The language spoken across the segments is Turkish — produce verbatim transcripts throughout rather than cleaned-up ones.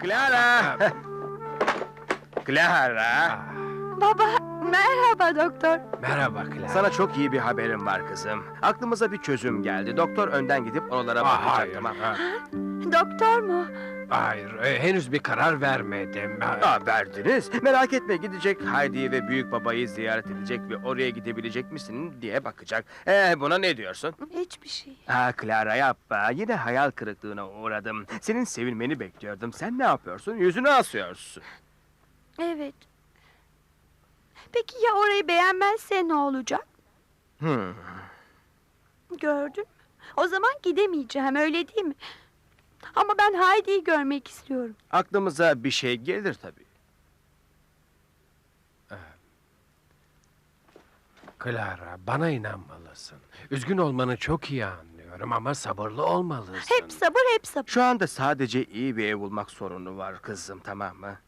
Clara! Clara! Baba, merhaba doktor. Merhaba Clara. Sana çok iyi bir haberim var kızım. Aklımıza bir çözüm geldi. Doktor önden gidip oralara Aa, bakacak, hayır, tamam. ha, Doktor mu? hayır, e, henüz bir karar vermedim. Ha, Aa, verdiniz. Merak etme, gidecek Haydi'yi ve büyük babayı ziyaret edecek ve oraya gidebilecek misin diye bakacak. Ee, buna ne diyorsun? Hiçbir şey. Aa, Clara yapma. Yine hayal kırıklığına uğradım. Senin sevilmeni bekliyordum. Sen ne yapıyorsun? Yüzünü asıyorsun. Evet. Peki ya orayı beğenmezse ne olacak? Hmm. Gördün mü? O zaman gidemeyeceğim, öyle değil mi? Ama ben Heidi'yi görmek istiyorum. Aklımıza bir şey gelir tabii. Clara, bana inanmalısın. Üzgün olmanı çok iyi anlıyorum ama sabırlı olmalısın. Hep sabır, hep sabır. Şu anda sadece iyi bir ev bulmak sorunu var kızım, tamam mı?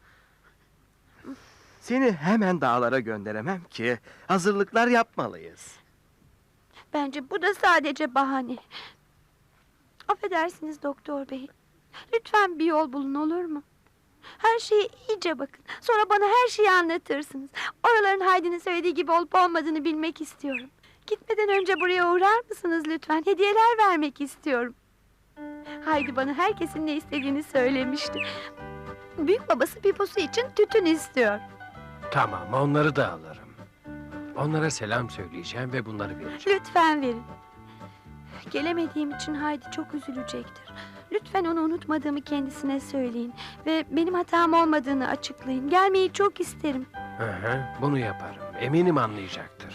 Seni hemen dağlara gönderemem ki. Hazırlıklar yapmalıyız. Bence bu da sadece bahane. Affedersiniz doktor bey. Lütfen bir yol bulun, olur mu? Her şeye iyice bakın. Sonra bana her şeyi anlatırsınız. Oraların Heidi'nin söylediği gibi olup olmadığını bilmek istiyorum. Gitmeden önce buraya uğrar mısınız lütfen? Hediyeler vermek istiyorum. Heidi bana herkesin ne istediğini söylemişti. Büyük babası piposu için tütün istiyor. Tamam, onları da alırım. Onlara selam söyleyeceğim ve bunları vereceğim. Lütfen verin. Gelemediğim için Heidi çok üzülecektir. Lütfen onu unutmadığımı kendisine söyleyin. Ve benim hatam olmadığını açıklayın. Gelmeyi çok isterim. Hı hı, bunu yaparım. Eminim anlayacaktır.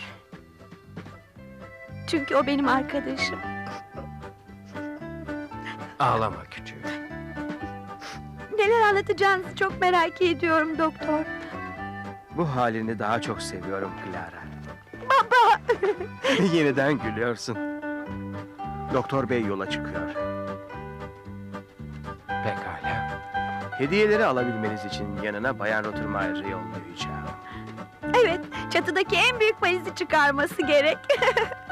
Çünkü o benim arkadaşım. Ağlama küçüğüm. Neler anlatacağınızı çok merak ediyorum doktor. Bu halini daha çok seviyorum Clara. Baba! Yeniden gülüyorsun. Doktor bey yola çıkıyor. Pekala. Hediyeleri alabilmeniz için yanına Bayan Rottermeier'ı yollayacağım. Evet, çatıdaki en büyük valizi çıkarması gerek.